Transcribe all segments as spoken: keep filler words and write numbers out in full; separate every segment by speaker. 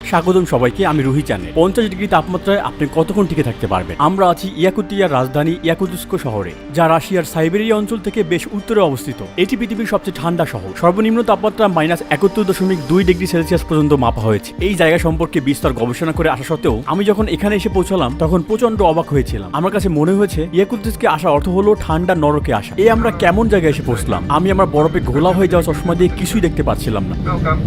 Speaker 1: স্বাগতম সবাইকে, আমি রুহি চ্যানেল। পঞ্চাশ ডিগ্রি তাপমাত্রায় আপনি কতক্ষণ টিকে থাকতে পারবেন? আমরা আছি ইয়াকুতিয়ার রাজধানী ইয়াকুতস্ক শহরে, যা রাশিয়ার সাইবেরিয়া অঞ্চল থেকে বেশ উত্তরে অবস্থিত। এটি পৃথিবীর সবচেয়ে ঠান্ডা শহর। সর্বনিম্ন তাপমাত্রা মাইনাস একাত্তর দশমিক দুই ডিগ্রি সেলসিয়াস পর্যন্ত মাপা হয়েছে। এই জায়গা সম্পর্কে বিস্তর গবেষণা করে আসা সত্ত্বেও আমি যখন এখানে এসে পৌঁছলাম তখন প্রচন্ড অবাক হয়েছিলাম। আমার কাছে মনে হয়েছে ইয়াকুতস্কে আসা অর্থ হলো ঠান্ডা নরকে আসা। এই আমরা কেমন জায়গায় এসে পৌঁছলাম? আমি আমার বরফে ঘোলা হয়ে যাওয়া চশমা দিয়ে কিছুই দেখতে পাচ্ছিলাম না।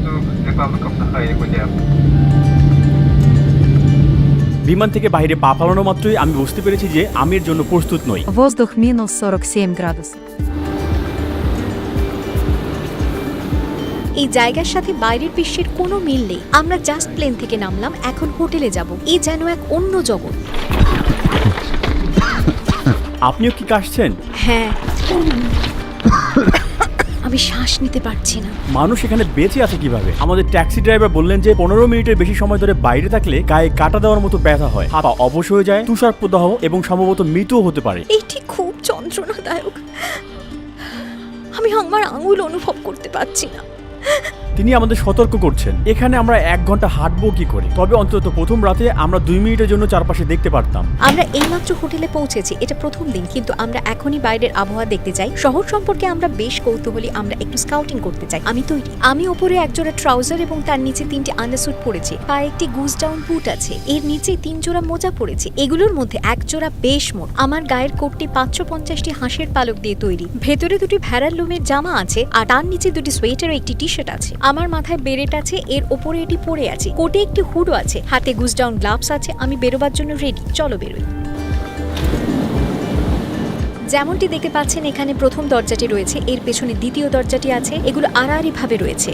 Speaker 1: বিমান থেকে বাইরে পা ফালানো মাত্রই আমি বুঝতে পেরেছি যে আমি এর জন্য প্রস্তুত নই।
Speaker 2: Воздух минус сорок семь градусов.
Speaker 3: এই জায়গার সাথে বাইরের বিশ্বের কোনো মিল নেই। আমরা জাস্ট প্লেন থেকে নামলাম, এখন হোটেলে যাব। এই যেন এক অন্য জগৎ।
Speaker 1: আপনিও কি কাশছেন?
Speaker 3: হ্যাঁ, আমি শ্বাস নিতে পারছি না।
Speaker 1: মানুষ এখানে বেঁচে আছে কিভাবে? আমাদের ট্যাক্সি ড্রাইভার বললেন যে পনেরো মিনিটের বেশি সময় ধরে বাইরে থাকলে গায়ে কাটা দেওয়ার মতো ব্যথা হয়, হাত পা অবশ হয়ে যায়, তুষার প্রদাহ এবং সম্ভবত মৃত্যুও হতে পারে।
Speaker 3: এইটি খুব যন্ত্রণাদায়ক। আমি আমার আঙুল অনুভব করতে পারছি না।
Speaker 1: তিনি আমাদের সতর্ক করছেন, এখানে আমরা এক ঘন্টা হাঁটবো কি করে? তবে অন্তত প্রথম রাতে আমরা দুই মিনিটের জন্য চারপাশে দেখতে পারতাম।
Speaker 3: আমরা এইমাত্র হোটেলে পৌঁছেছি। এটা প্রথম দিন, কিন্তু আমরা এখনই বাইরের আবহাওয়া দেখতে চাই। শহর সম্পর্কে আমরা বেশ কৌতূহলী। আমরা একটু স্কাউটিং করতে চাই। আমি তৈরি। আমি ওপরে একজোড়া ট্রাউজার এবং তার নিচে তিনটি আন্ডারস্যুট পরেছি। পায়ে একটি গুজ ডাউন বুট আছে। এর নিচে তিন জোড়া মোজা পরেছি। এগুলোর মধ্যে এক জোড়া বেশ মোট। আমার গায়ের কোটটি পাঁচশো পঞ্চাশটি হাঁসের পালক দিয়ে তৈরি। ভেতরে দুটি ভেড়ার লোমের জামা আছে, আর তার নিচে দুটি সোয়েটার ও একটি টি শার্ট আছে। আমার মাথায় বেরেট আছে, এর ওপরে এটি পরে আছে। কোটে একটি হুডও আছে, হাতে গুজ ডাউন গ্লাভস আছে। আমি বেরোবার জন্য রেডি। চলো বেরোই। যেমনটি দেখতে পাচ্ছেন, এখানে প্রথম দরজাটি রয়েছে, এর পেছনে দ্বিতীয় দরজাটি আছে। এগুলো আড়াআড়ি ভাবে রয়েছে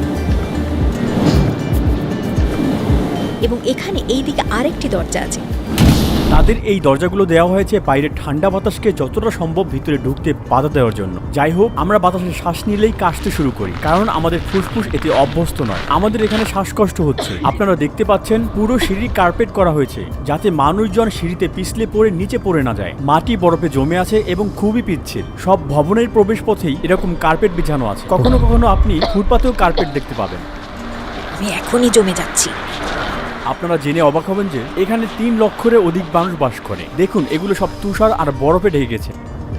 Speaker 3: এবং এখানে এই দিকে আরেকটি দরজা আছে।
Speaker 1: তাদের এই দরজাগুলো দেওয়া হয়েছে বাইরে ঠান্ডা বাতাসকে যতটা সম্ভব ভিতরে ঢুকতে বাধা দেওয়ার জন্য। যাই হোক, আমরা বাতাসে শ্বাস নিলেই কাশতে শুরু করি, কারণ আমাদের ফুসফুস এতে অভ্যস্ত নয়। আমাদের এখানে শ্বাসকষ্ট হচ্ছে। আপনারা দেখতে পাচ্ছেন পুরো সিঁড়ি কার্পেট করা হয়েছে, যাতে মানুষজন সিঁড়িতে পিছলে পড়ে নিচে পড়ে না যায়। মাটি বরফে জমে আছে এবং খুবই পিচ্ছিল। সব ভবনের প্রবেশ পথেই এরকম কার্পেট বিছানো আছে। কখনো কখনো আপনি ফুটপাতেও কার্পেট দেখতে পাবেন।
Speaker 3: আমি এখনই জমে যাচ্ছি।
Speaker 1: আপনারা জেনে অবাক হবেন যে এখানে তিন লক্ষের অধিক মানুষ বাস করে। দেখুন, এগুলো সব তুষার আর বরফে ঢেকে গেছে।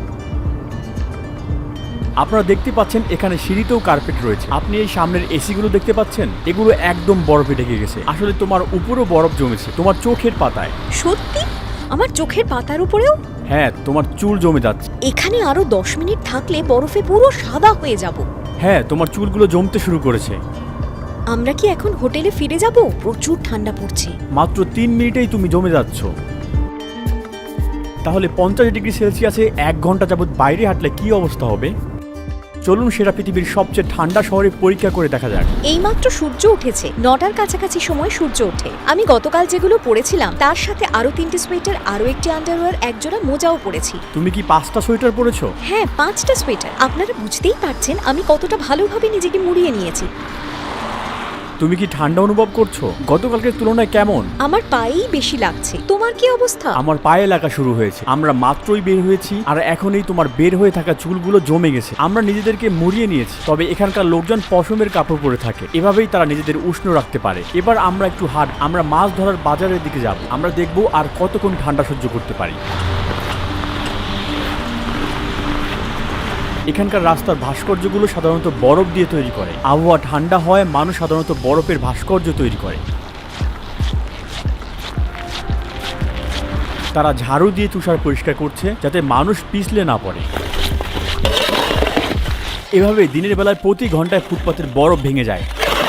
Speaker 1: আপনারা দেখতে পাচ্ছেন এখানে সিঁড়িতেও কার্পেট রয়েছে। আপনি এই সামনের এসিগুলো দেখতে পাচ্ছেন, এগুলো একদম বরফে ঢেকে গেছে। আসলে তোমার উপরেও বরফ জমেছে, তোমার চোখের পাতায়।
Speaker 3: সত্যি? আমার চোখের পাতার উপরেও?
Speaker 1: হ্যাঁ, তোমার চুল জমে যাচ্ছে।
Speaker 3: এখানে আরো দশ মিনিট থাকলে বরফে পুরো সাদা হয়ে যাব।
Speaker 1: হ্যাঁ, তোমার চুলগুলো জমতে শুরু করেছে।
Speaker 3: আমরা কি এখন হোটেলে ফিরে যাব? প্রচুর ঠান্ডা পড়ছে।
Speaker 1: মাত্র তিন মিনিটেই তুমি জমে যাচ্ছ। তাহলে পঞ্চাশ ডিগ্রি সেলসিয়াসে এক ঘন্টা যাবত বাইরে হাঁটলে কি অবস্থা হবে? চলুন সেটা পৃথিবীর সবচেয়ে ঠান্ডা শহরে পরীক্ষা করে দেখা যাক।
Speaker 3: এইমাত্র সূর্য উঠেছে। নটার কাছাকাছি সময় সূর্য ওঠে। আমি গতকাল যেগুলো পরেছিলাম তার সাথে আরো তিনটি সোয়েটার, আরো একটি আন্ডারওয়্যার, একজোড়া মোজাও পরেছি।
Speaker 1: তুমি কি পাঁচটা সোয়েটার পরেছো?
Speaker 3: হ্যাঁ, পাঁচটা সোয়েটার। আপনারা বুঝতেই পারছেন আমি কতটা ভালোভাবে নিজেকে মুড়িয়ে নিয়েছি।
Speaker 1: তুমি কি ঠান্ডা অনুভব করছো? গতকালকের তুলনায় কেমন?
Speaker 3: আমার পায়েই বেশি লাগছে। তোমার কি অবস্থা?
Speaker 1: আমার পায়ে লাগা শুরু হয়েছে। আমরা মাত্রই বের হয়েছি, আর এখনই তোমার বের হয়ে থাকা চুলগুলো জমে গেছে। আমরা নিজেদেরকে মুড়িয়ে নিয়েছি। তবে এখানকার লোকজন পশমের কাপড় পরে থাকে, এভাবেই তারা নিজেদের উষ্ণ রাখতে পারে। এবার আমরা একটু হাঁট। আমরা মাছ ধরার বাজারের দিকে যাব। আমরা দেখব আর কতক্ষণ ঠান্ডা সহ্য করতে পারি। এখানকার রাস্তার ভাস্কর্যগুলো সাধারণত বরফ দিয়ে তৈরি করে। আবহাওয়া ঠান্ডা হয়, মানুষ সাধারণত বরফের ভাস্কর্য তৈরি করে। তারা ঝাড়ু দিয়ে তুষার পরিষ্কার করছে, যাতে মানুষ পিছলে না পড়ে। এভাবে দিনের বেলায় প্রতি ঘন্টায় ফুটপাতের বরফ ভেঙে যায়।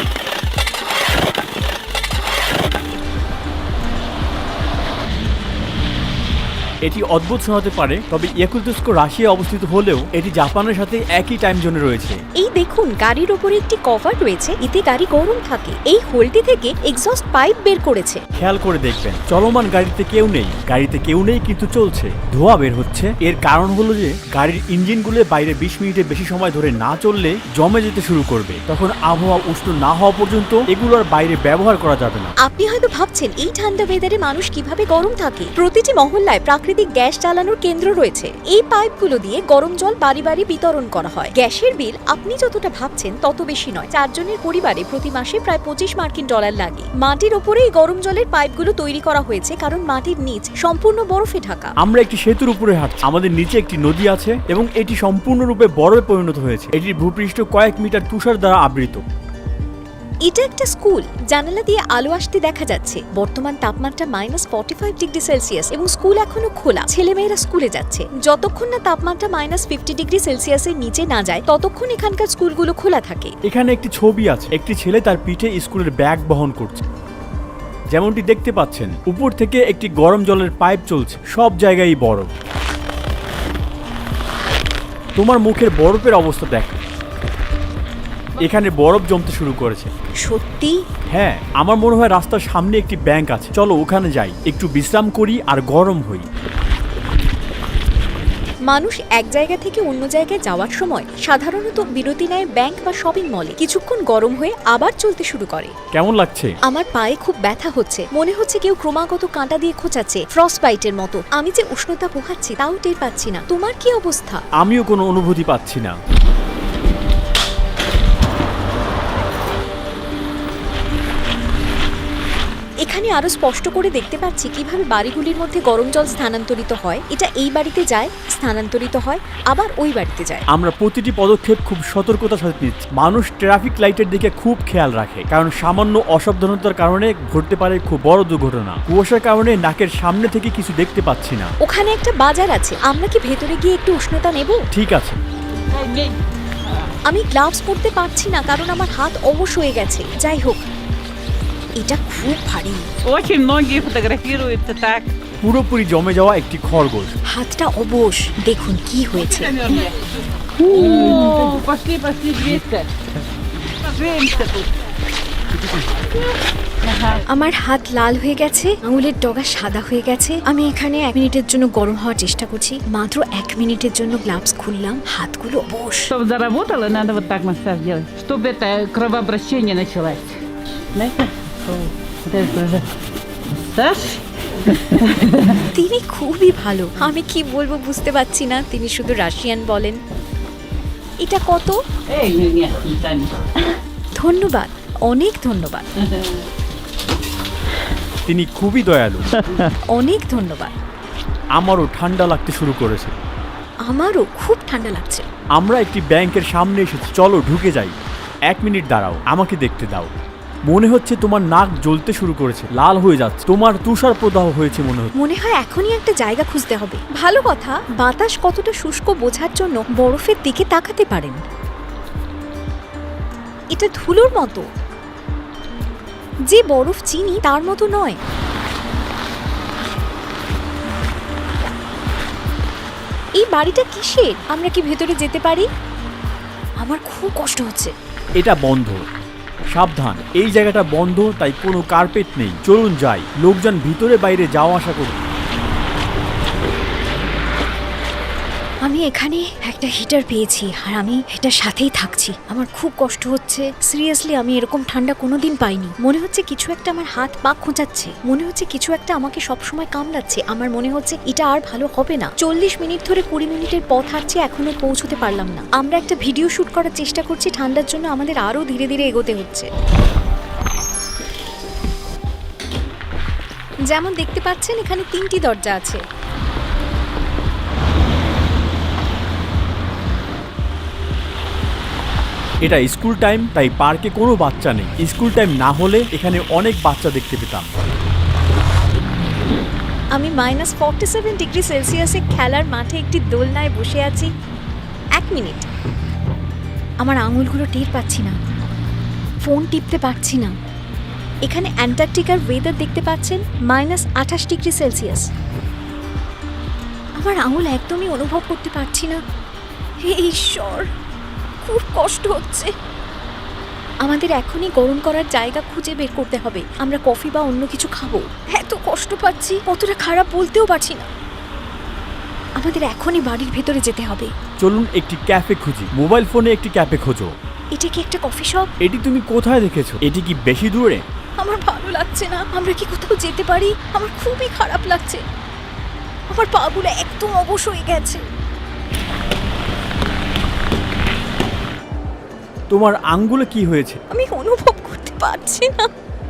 Speaker 1: এটি অদ্ভুত শোনাতে পারে, তবে ইয়াকুতস্ক রাশিয়া অবস্থিত হলেও এটি জাপানের সাথে একই টাইম জোনে রয়েছে।
Speaker 3: এই দেখুন, গাড়ির উপরে একটি কভার রয়েছে, এতে গাড়ি গরম থাকে। এই হোলটি থেকে এক্সস্ট পাইপ বের করেছে।
Speaker 1: খেয়াল করে দেখবেন, চলমান গাড়িতে কেউ নেই। গাড়িতে কেউ নেই কিন্তু চলছে, ধোঁয়া বের হচ্ছে। এর কারণ হলো যে গাড়ির ইঞ্জিনগুলো বাইরে বিশ মিনিটের বেশি সময় ধরে না চললে জমে যেতে শুরু করবে। তখন আবহাওয়া উষ্ণ না হওয়া পর্যন্ত এগুলোর বাইরে ব্যবহার করা যাবে না।
Speaker 3: আপনি হয়তো ভাবছেন এই ঠান্ডা ওয়েদারে মানুষ কিভাবে গরম থাকে। প্রতিটি মহল্লায় প্রাকৃতিক প্রাকৃতিক গ্যাস চালানোর কেন্দ্র রয়েছে। এই পাইপগুলো দিয়ে গরম জল বাড়ি বাড়ি বিতরণ করা হয়। গ্যাসের বিল আপনি যতটা ভাবছেন তত বেশি নয়। চারজনের পরিবারে প্রতি মাসে প্রায় পঁচিশ মার্কিন ডলার লাগে। মাটির ওপরে এই গরম জলের পাইপগুলো তৈরি করা হয়েছে কারণ মাটির নিচ সম্পূর্ণ বরফে ঢাকা।
Speaker 1: আমরা একটি সেতুর উপরে হাঁটছি। আমাদের নিচে একটি নদী আছে এবং এটি সম্পূর্ণরূপে বরফে পরিণত হয়েছে। এটির ভূপৃষ্ঠ কয়েক মিটার তুষার দ্বারা আবৃত।
Speaker 3: এটা একটা স্কুল। জানালা দিয়ে আলো আসতে দেখা যাচ্ছে। বর্তমান তাপমাত্রা minus forty five degree Celsius এবং স্কুল এখনো খোলা। ছেলেমেয়েরা স্কুলে যাচ্ছে। যতক্ষণ না তাপমাত্রা মাইনাস ফিফটি ডিগ্রি সেলসিয়াসের নিচে না যায় ততক্ষণ এখানকার স্কুলগুলো খোলা থাকে।
Speaker 1: এখানে একটি ছবি আছে। একটি ছেলে তার পিঠে স্কুলের ব্যাগ বহন করছে। যেমনটি দেখতে পাচ্ছেন, উপর থেকে একটি গরম জলের পাইপ চলছে। সব জায়গায় বরফ। তোমার মুখের বরফের অবস্থা দেখো। এখানে বরফ জমতে শুরু করেছে।
Speaker 3: সত্যি?
Speaker 1: হ্যাঁ, আমার মনে হয় রাস্তার সামনে একটি ব্যাংক আছে। চলো ওখানে যাই, একটু বিশ্রাম করি আর গরম হই।
Speaker 3: মানুষ এক জায়গা থেকে অন্য জায়গায় যাওয়ার সময় সাধারণত বিরতি নেয় ব্যাংক বা শপিং মলে। কিছুক্ষণ গরম হয়ে আবার চলতে শুরু করে।
Speaker 1: কেমন লাগছে?
Speaker 3: আমার পায়ে খুব ব্যথা হচ্ছে। মনে হচ্ছে কেউ ক্রমাগত কাঁটা দিয়ে খোঁচাচ্ছে, ফ্রস্ট বাইটের মতো। আমি যে উষ্ণতা পোহাচ্ছি তাও টের পাচ্ছি না। তোমার কি অবস্থা?
Speaker 1: আমিও কোনো অনুভূতি পাচ্ছি না।
Speaker 3: এখানে আরো স্পষ্ট করে দেখতে পাচ্ছি কিভাবে বাড়িগুলির মধ্যে গরম জল স্থানান্তরিত হয়। এটা এই বাড়িতে যায়, স্থানান্তরিত হয়, আবার ওই বাড়িতে যায়।
Speaker 1: আমরা প্রতিটি পদক্ষেপ খুব সতর্কতার সাথে নিচ্ছি। মানুষ ট্রাফিক লাইটের দিকে খুব খেয়াল রাখে, কারণ সামান্য অসাবধানতার কারণে ঘটতে পারে খুব বড় দুর্ঘটনা। কুয়াশার কারণে নাকের সামনে থেকে কিছু দেখতে পাচ্ছি না।
Speaker 3: ওখানে একটা বাজার আছে। আমরা কি ভেতরে গিয়ে একটু উষ্ণতা নেব?
Speaker 1: ঠিক আছে।
Speaker 3: আমি গ্লাভস পরতে পারছি না কারণ আমার হাত অবশ হয়ে গেছে। যাই হোক, এটা খুব ভারী।
Speaker 4: Очень многие фотографируются так.
Speaker 1: পুরোপুরি জমে যাওয়া একটি খরগোশ।
Speaker 3: হাতটা অবশ। দেখুন কি হয়েছে।
Speaker 4: О, пошли, пошли, двести. Поженимся тут.
Speaker 3: আমার হাত লাল হয়ে গেছে, আঙুলের ডগা সাদা হয়ে গেছে। আমি এখানে এক মিনিটের জন্য গরম হওয়ার চেষ্টা করছি। মাত্র এক মিনিটের জন্য গ্লাভস খুললাম, হাতগুলো অবশ।
Speaker 4: Чтобы заработало, надо вот так массаж делать, чтобы это кровообращение началось. Знаете? Вот это уже массаж.
Speaker 3: তিনি খুবই ভালো। আমি কি বলবো বুঝতে পারছি না। তিনি শুধু রাশিয়ান বলেন। এটা কত?
Speaker 4: Эй, нет, не тянет.
Speaker 3: ধন্যবাদ, অনেক ধন্যবাদ,
Speaker 1: তিনি খুবই দয়ালু।
Speaker 3: অনেক ধন্যবাদ।
Speaker 1: আমারও ঠান্ডা লাগতে শুরু করেছে।
Speaker 3: আমারও খুব ঠান্ডা লাগছে।
Speaker 1: আমরা একটি ব্যাংকের সামনে এসেছি। চলো ঢুকে যাই। এক মিনিট দাঁড়াও, আমাকে দেখতে দাও। মনে হচ্ছে তোমার নাক জ্বলতে শুরু করেছে, লাল হয়ে যাচ্ছে। তোমার তুষার প্রদাহ হয়েছে মনে হচ্ছে।
Speaker 3: মনে হয় এখনই একটা জায়গা খুঁজতে হবে। ভালো কথা, বাতাস কতটা শুষ্ক বোঝার জন্য বরফের দিকে তাকাতে পারেন। এটা ধুলোর মতো। যে বরফ চিনি তার মতো নয়। এই বাড়িটা কিসের? আমরা কি ভেতরে যেতে পারি? আমার খুব কষ্ট হচ্ছে।
Speaker 1: এটা বন্ধ। সাবধান, এই জায়গাটা বন্ধ, তাই কোনো কার্পেট নেই। চলুন যাই। লোকজন ভিতরে বাইরে যাওয়া আসা করুন।
Speaker 3: আমি এখানে একটা হিটার পেয়েছি আর আমি এটার সাথেই থাকছি। আমার খুব কষ্ট হচ্ছে। সিরিয়াসলি, আমি এরকম ঠান্ডা কোনোদিন পাইনি। মনে হচ্ছে কিছু একটা আমার হাত পা খোঁচাচ্ছে। মনে হচ্ছে কিছু একটা আমাকে সবসময় কামড়াচ্ছে। আমার মনে হচ্ছে এটা আর ভালো হবে না। চল্লিশ মিনিট ধরে কুড়ি মিনিটের পথ হাঁটছি, এখনো পৌঁছতে পারলাম না। আমরা একটা ভিডিও শুট করার চেষ্টা করছি। ঠান্ডার জন্য আমাদের আরো ধীরে ধীরে এগোতে হচ্ছে। যেমন দেখতে পাচ্ছেন, এখানে তিনটি দরজা আছে।
Speaker 1: এটা স্কুল টাইম, তাই পার্কে কোনো বাচ্চা নেই। স্কুল টাইম না হলে এখানে অনেক বাচ্চা দেখতে পেতাম।
Speaker 3: আমি মাইনাস ফর্টি সেভেন ডিগ্রি সেলসিয়াসে খেলার মাঠে একটি দোলনায় বসে আছি। এক মিনিট, আমার আঙুলগুলো টের পাচ্ছি না। ফোন টিপতে পারছি না। এখানে অ্যান্টার্কটিকার ওয়েদার দেখতে পাচ্ছেন, মাইনাস আঠাশ ডিগ্রি সেলসিয়াস। আমার আঙুল একদমই অনুভব করতে পারছি না। হে ঈশ্বর, খুব কষ্ট হচ্ছে। আমাদের এখনই গরম করার জায়গা খুঁজে বের করতে হবে। আমরা কফি বা অন্য কিছু খাবো। এত কষ্ট পাচ্ছি, কতটা খারাপ বলতেও পারছি না। আমাদের এখনই বাড়ির ভেতরে যেতে হবে।
Speaker 1: চলুন একটি ক্যাফে খুঁজি। মোবাইল ফোনে একটি ক্যাফে খোঁজো।
Speaker 3: এটা কি একটা কফি শপ?
Speaker 1: এটি তুমি কোথায় দেখেছো? এটি কি বেশি দূরে?
Speaker 3: আমার ভালো লাগছে না। আমরা কি কোথাও যেতে পারি? আমার খুবই খারাপ লাগছে। আমার পাগুলো একদম অবশ হয়ে গেছে।
Speaker 1: তোমার আঙ্গুলে কি হয়েছে?
Speaker 3: আমি অনুভব করতে পারছি না,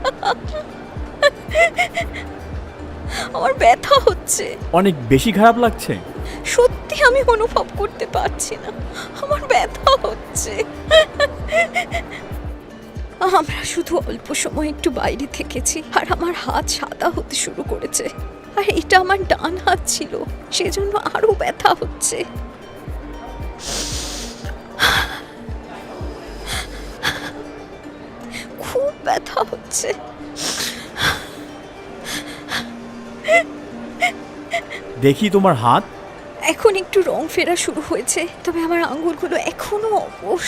Speaker 3: আমার ব্যথা হচ্ছে।
Speaker 1: অনেক বেশি খারাপ লাগছে?
Speaker 3: সত্যি আমি অনুভব করতে পারছি না, আমার ব্যথা হচ্ছে। আমরা শুধু অল্প সময় একটু বাইরে থেকেছি আর আমার হাত সাদা হতে শুরু করেছে, আর এটা আমার ডান হাত ছিল, সেজন্য আরো ব্যথা হচ্ছে। খুব ব্যথা হচ্ছে।
Speaker 1: দেখি তোমার হাত।
Speaker 3: এখন একটু রং ফেরা শুরু হয়েছে, তবে আমার আঙ্গুলগুলো এখনো অবশ।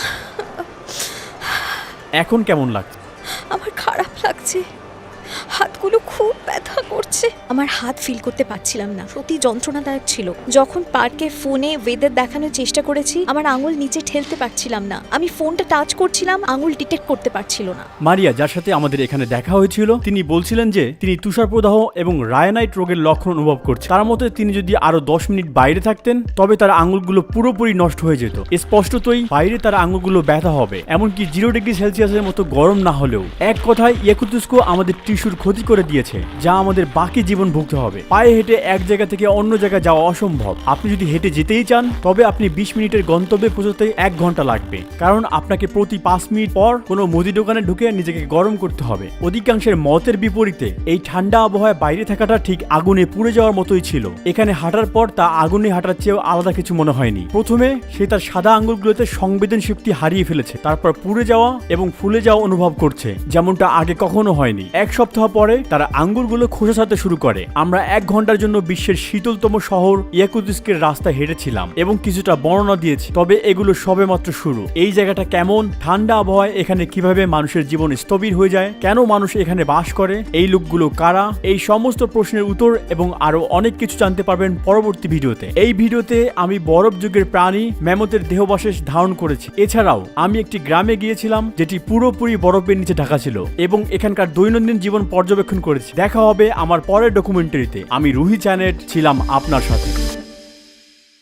Speaker 1: এখন কেমন লাগছে?
Speaker 3: আমার খারাপ লাগছে, হাতগুলো খুব ব্যথা করছে। আমার হাত ফিল করতে পারছিলাম না, সত্যি যন্ত্রণাদায়ক ছিল। যখন পার্কে ফোনে ওয়েদার দেখানোর চেষ্টা করেছি, আমার আঙুল নিচে ঠেলতে পারছিলাম না। আমি ফোনটা টাচ করছিলাম, আঙুল ডিটেক্ট করতে পারছিল না।
Speaker 1: মারিয়া, যার সাথে আমাদের এখানে দেখা হয়েছিল, তিনি বলছিলেন যে তিনি তুষারপ্রদাহ এবং রায়ানাইট রোগের লক্ষণ অনুভব করছেন। তার মতে তিনি যদি আরো দশ মিনিট বাইরে থাকতেন তবে তার আঙুলগুলো পুরোপুরি নষ্ট হয়ে যেত। স্পষ্টতই বাইরে তার আঙুলগুলো ব্যথা হবে, এমনকি জিরো ডিগ্রি সেলসিয়াসের মতো গরম না হলেও। এক কথায় ইয়াকুতুস্কো আমাদের টিস্যুর ক্ষতি করে দিয়েছে, যা আমাদের বাকি জীবন ভুগতে হবে। পায়ে হেঁটে এক জায়গা থেকে অন্য জায়গায় যাওয়া অসম্ভব। আপনি যদি হেঁটে যেতেই চান তবে আপনি বিশ মিনিটের গন্তব্যে পৌঁছতে এক ঘন্টা লাগবে, কারণ আপনাকে প্রতি পাঁচ মিনিট পর কোনো মুদি দোকানে ঢুকে নিজেকে গরম করতে হবে। অধিকাংশের মতের বিপরীতে এই ঠান্ডা আবহাওয়ায় বাইরে থাকাটা ঠিক আগুনে পুড়ে যাওয়ার মতোই ছিল। এখানে হাঁটার পর তা আগুনে হাঁটার চেয়েও আলাদা কিছু মনে হয়নি। প্রথমে সে তার সাদা আঙ্গুলগুলোতে সংবেদন শক্তি হারিয়ে ফেলেছে, তারপর পুড়ে যাওয়া এবং ফুলে যাওয়া অনুভব করছে, যেমনটা আগে কখনো হয়নি। এক সপ্তাহ পরে তার আঙ্গুলগুলো খোসা ছাড়তে শুরু করে। আমরা এক ঘন্টার জন্য বিশ্বের শীতলতম শহর ইয়াকুতিস্কের রাস্তায় হেঁটেছিলাম এবং কিছুটা বর্ণনা দিয়েছি, তবে এগুলো সবে মাত্র শুরু। এই জায়গাটা কেমন, ঠান্ডা আবহাওয়ায় এখানে কিভাবে মানুষের জীবন স্থবির হয়ে যায়, কেন মানুষ এখানে বাস করে, এই লোকগুলো কারা, এই সমস্ত প্রশ্নের উত্তর এবং আরো অনেক কিছু জানতে পারবেন পরবর্তী ভিডিওতে। এই ভিডিওতে আমি বরফ যুগের প্রাণী ম্যামথের দেহবশেষ ধারণ করেছি। এছাড়াও আমি একটি গ্রামে গিয়েছিলাম যেটি পুরোপুরি বরফের নিচে ঢাকা ছিল এবং এখানকার দৈনন্দিন জীবন পর্যবেক্ষণ করেছি। দেখা হবে আমার পরের ডকুমেন্টারিতে। আমি রুহি চ্যানেট ছিলাম আপনার সাথে।